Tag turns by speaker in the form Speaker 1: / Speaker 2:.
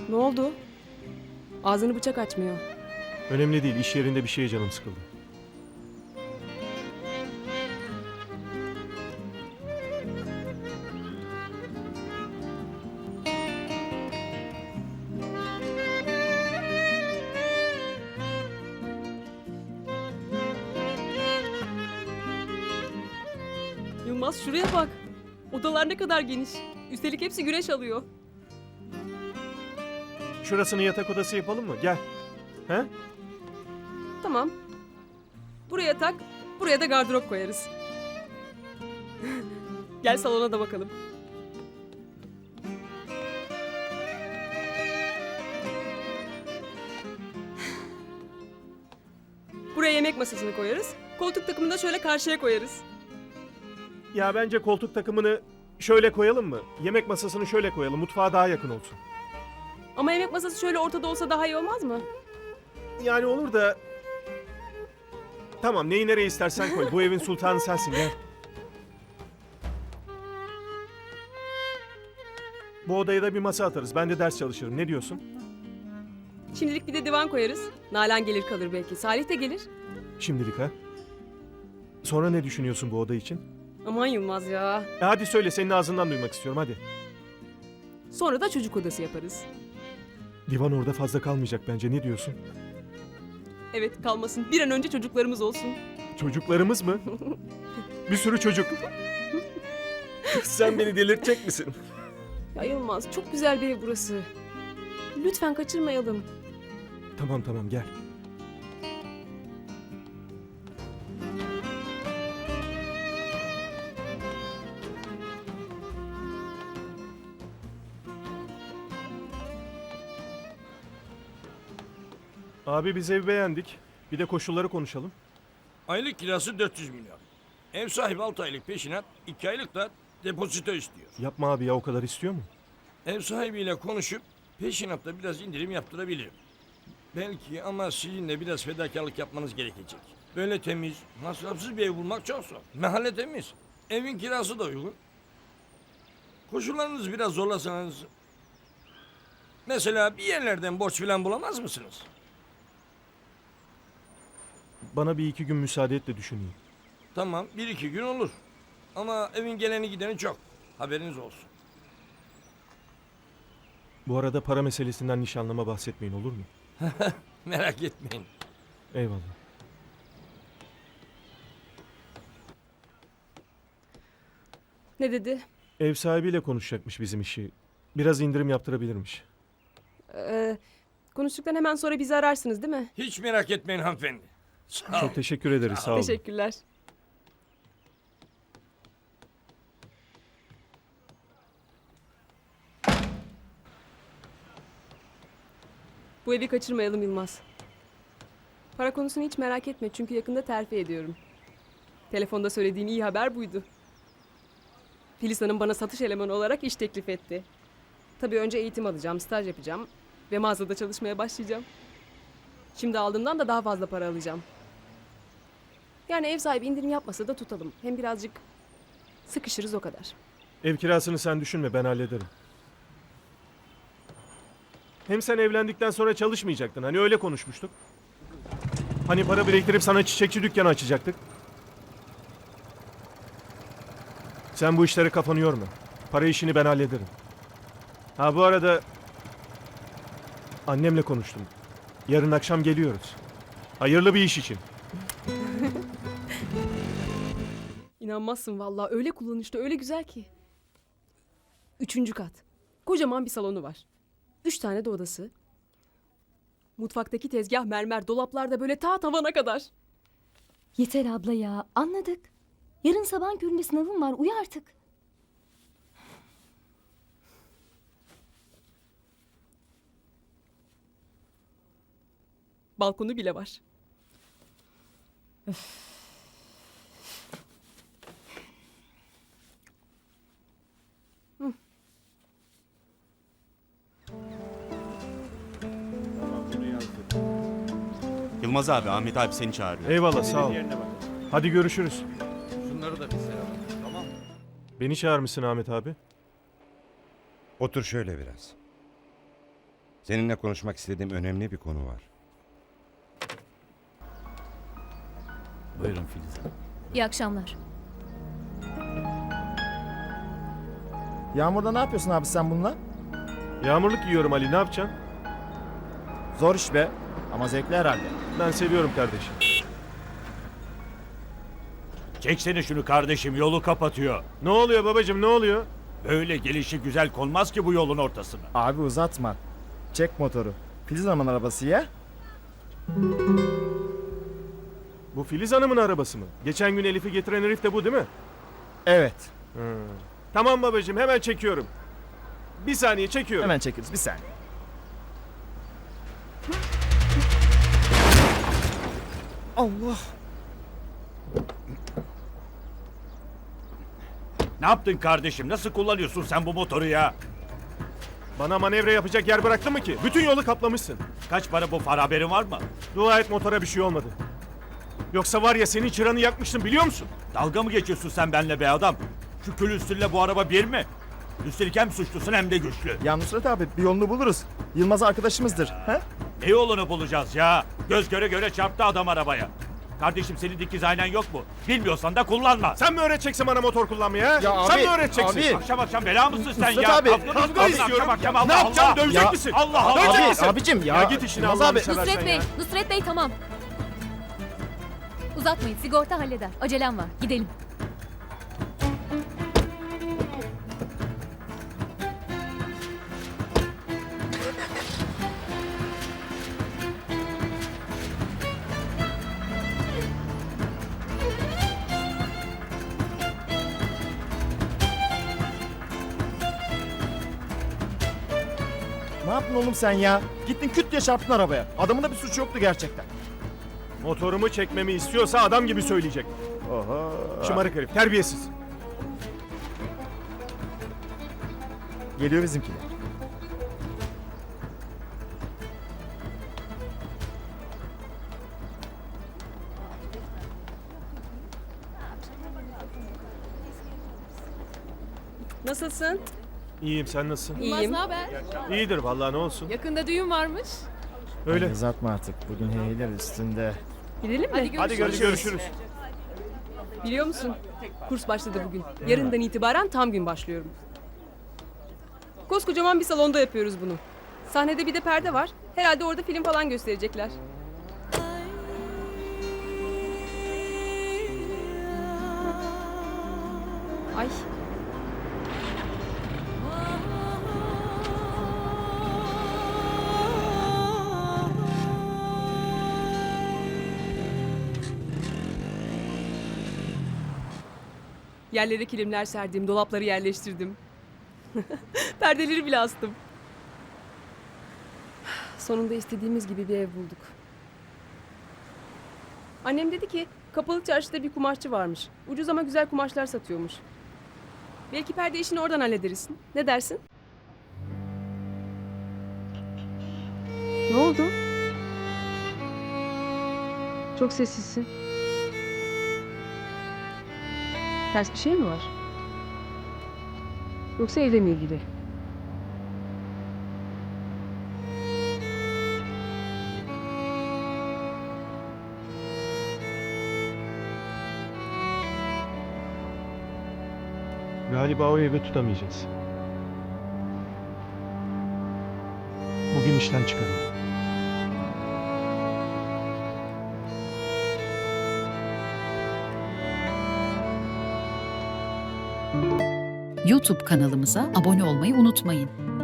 Speaker 1: Ne oldu? Ağzını bıçak açmıyor.
Speaker 2: Önemli değil, iş yerinde bir şeye canım sıkıldı.
Speaker 1: Yılmaz şuraya bak. Odalar ne kadar geniş. Üstelik hepsi güneş alıyor.
Speaker 2: Şurasını yatak odası yapalım mı? Gel. He?
Speaker 1: Tamam. Buraya tak, buraya da gardırop koyarız. Gel salona da bakalım. Buraya yemek masasını koyarız. Koltuk takımını da şöyle karşıya koyarız.
Speaker 2: Ya bence koltuk takımını şöyle koyalım mı? Yemek masasını şöyle koyalım, mutfağa daha yakın olsun.
Speaker 1: Ama yemek masası şöyle ortada olsa daha iyi olmaz mı?
Speaker 2: Yani olur da... Tamam, neyi nereye istersen koy. Bu evin sultanı sensin, gel. Bu odaya da bir masa atarız. Ben de ders çalışırım. Ne diyorsun?
Speaker 1: Şimdilik bir de divan koyarız. Nalan gelir kalır belki. Salih de gelir.
Speaker 2: Şimdilik ha? Sonra ne düşünüyorsun bu oda için?
Speaker 1: Aman Yılmaz ya.
Speaker 2: Hadi söyle, senin ağzından duymak istiyorum, hadi.
Speaker 1: Sonra da çocuk odası yaparız.
Speaker 2: Divan orada fazla kalmayacak bence. Ne diyorsun?
Speaker 1: Evet kalmasın. Bir an önce çocuklarımız olsun.
Speaker 2: Çocuklarımız mı? Bir sürü çocuk. Sen beni delirtecek misin?
Speaker 1: Ya Yılmaz çok güzel bir ev burası. Lütfen kaçırmayalım.
Speaker 2: Tamam tamam, gel. Abi biz ev beğendik. Bir de koşulları konuşalım.
Speaker 3: Aylık kirası 400 milyon. Ev sahibi 6 aylık peşinat, 2 aylık da depozito istiyor.
Speaker 2: Yapma abi ya, o kadar istiyor mu?
Speaker 3: Ev sahibiyle konuşup peşinatta biraz indirim yaptırabilirim. Belki ama sizin de biraz fedakarlık yapmanız gerekecek. Böyle temiz, masrafsız bir ev bulmak çok zor. Mahalle temiz. Evin kirası da uygun. Koşullarınızı biraz zorlasanız... Mesela bir yerlerden borç falan bulamaz mısınız?
Speaker 2: Bana bir iki gün müsaade et de düşüneyim.
Speaker 3: Tamam, 1-2 gün olur. Ama evin geleni gideni çok. Haberiniz olsun.
Speaker 2: Bu arada para meselesinden nişanlama bahsetmeyin, olur mu?
Speaker 3: Merak etmeyin.
Speaker 2: Eyvallah.
Speaker 1: Ne dedi?
Speaker 2: Ev sahibiyle konuşacakmış bizim işi. Biraz indirim yaptırabilirmiş.
Speaker 1: Konuştuktan hemen sonra bizi ararsınız değil mi?
Speaker 3: Hiç merak etmeyin hanımefendi. Sağ olun.
Speaker 2: Çok teşekkür ederiz, sağ olun.
Speaker 1: Teşekkürler. Bu evi kaçırmayalım Yılmaz. Para konusunu hiç merak etme çünkü yakında terfi ediyorum. Telefonda söylediğim iyi haber buydu. Filiz Hanım bana satış elemanı olarak iş teklif etti. Tabii önce eğitim alacağım, staj yapacağım ve mağazada çalışmaya başlayacağım. Şimdi aldığımdan da daha fazla para alacağım. Yani ev sahibi indirim yapmasa da tutalım. Hem birazcık sıkışırız o kadar.
Speaker 2: Ev kirasını sen düşünme, ben hallederim. Hem sen evlendikten sonra çalışmayacaktın. Hani öyle konuşmuştuk. Hani para biriktirip sana çiçekçi dükkanı açacaktık. Sen bu işlere kafanı yorma. Para işini ben hallederim. Ha bu arada... Annemle konuştum. Yarın akşam geliyoruz. Hayırlı bir iş için.
Speaker 1: İnanmazsın vallahi öyle kullanışlı öyle güzel ki. 3. kat. Kocaman bir salonu var. 3 tane de odası. Mutfaktaki tezgah mermer, dolaplarda böyle ta tavana kadar.
Speaker 4: Yeter abla ya, anladık. Yarın sabah köründe sınavım var, uyu artık.
Speaker 1: Balkonu bile var.
Speaker 5: Yılmaz abi, Ahmet abi seni çağırıyor.
Speaker 2: Eyvallah, sağ ol. Hadi görüşürüz.
Speaker 3: Şunları da bir selam. Tamam.
Speaker 2: Beni çağırmışsın Ahmet abi.
Speaker 6: Otur şöyle biraz. Seninle konuşmak istediğim önemli bir konu var.
Speaker 7: Buyurun Filiz Hanım.
Speaker 8: İyi akşamlar.
Speaker 9: Yağmurda ne yapıyorsun abi sen bununla?
Speaker 2: Yağmurluk yiyorum Ali, ne yapacaksın?
Speaker 9: Zor iş be. Ama zevkli herhalde.
Speaker 2: Ben seviyorum kardeşim.
Speaker 7: Çeksene şunu kardeşim, yolu kapatıyor.
Speaker 2: Ne oluyor babacığım, ne oluyor?
Speaker 7: Böyle gelişi güzel konmaz ki bu yolun ortasına.
Speaker 9: Abi uzatma. Çek motoru. Filiz Hanım'ın arabası ya.
Speaker 2: Bu Filiz Hanım'ın arabası mı? Geçen gün Elif'i getiren herif de bu değil mi?
Speaker 9: Evet.
Speaker 2: Tamam babacığım, hemen çekiyorum. Bir saniye çekiyorum.
Speaker 9: Hemen çekeriz bir saniye. Allah.
Speaker 7: Ne yaptın kardeşim? Nasıl kullanıyorsun sen bu motoru ya?
Speaker 2: Bana manevra yapacak yer bıraktın mı ki? Bütün yolu kaplamışsın.
Speaker 7: Kaç para bu far, haberin var mı?
Speaker 2: Dua et motora bir şey olmadı. Yoksa var ya senin çıranı yakmıştım biliyor musun?
Speaker 7: Dalga mı geçiyorsun sen benimle be adam? Şu külüstürle bu araba bir mi? Üstelik hem suçlusun hem de güçlü.
Speaker 9: Ya Nusret abi bir yolunu buluruz. Yılmaz arkadaşımızdır. He?
Speaker 7: Ne yolunu bulacağız ya? Göz göre göre çarptı adam arabaya. Kardeşim senin dikiz aynen yok mu? Bilmiyorsan da kullanma.
Speaker 2: Sen mi öğreteceksin bana motor kullanmayı ha?
Speaker 9: Ya
Speaker 2: Sen
Speaker 9: abi,
Speaker 2: mi öğreteceksin?
Speaker 9: abi.
Speaker 7: Akşam akşam bela mısın sen
Speaker 9: Nusret
Speaker 7: ya?
Speaker 9: abi,
Speaker 2: Kavga istiyorum.
Speaker 7: Akşam Allah
Speaker 2: Ne yapacağım?
Speaker 7: Allah.
Speaker 2: Dövecek
Speaker 9: Ya,
Speaker 2: misin?
Speaker 7: Allah Allah.
Speaker 2: Dövecek
Speaker 9: Abi,
Speaker 2: misin?
Speaker 9: abicim ya.
Speaker 2: Ya git işine
Speaker 9: Yılmaz
Speaker 2: Allah'ını
Speaker 9: abi.
Speaker 2: seversen
Speaker 8: Nusret Bey,
Speaker 2: ya.
Speaker 8: Nusret Bey tamam. Uzatmayın, sigorta halleder. Acelem var, gidelim.
Speaker 9: Ne yaptın oğlum sen ya? Gittin küt diye çarptın arabaya. Adamın da bir suçu yoktu gerçekten.
Speaker 2: Motorumu çekmemi istiyorsa adam gibi söyleyecek.
Speaker 9: Oho.
Speaker 2: Şımarık herif, terbiyesiz.
Speaker 9: Geliyor bizimkiler.
Speaker 1: Nasılsın?
Speaker 2: İyiyim, sen nasılsın?
Speaker 1: İyiyim.
Speaker 2: İyidir vallahi, ne olsun.
Speaker 1: Yakında düğün varmış.
Speaker 2: Öyle.
Speaker 9: Uzatma artık. Bugün heyler üstünde.
Speaker 1: Gidelim mi?
Speaker 2: Hadi görüşürüz.
Speaker 1: Biliyor musun? Kurs başladı bugün. Yarından itibaren tam gün başlıyorum. Koskocaman bir salonda yapıyoruz bunu. Sahnede bir de perde var. Herhalde orada film falan gösterecekler. Ay. Yerlere kilimler serdim, dolapları yerleştirdim. Perdeleri bile astım. Sonunda istediğimiz gibi bir ev bulduk. Annem dedi ki kapalı çarşıda bir kumaşçı varmış. Ucuz ama güzel kumaşlar satıyormuş. Belki perde işini oradan hallederiz. Ne dersin? Ne oldu? Çok sessizsin. Ters bir şey mi var? Yoksa evle mi ilgili?
Speaker 2: Galiba o evi tutamayacağız. Bugün işten çıkarıldı.
Speaker 10: YouTube kanalımıza abone olmayı unutmayın.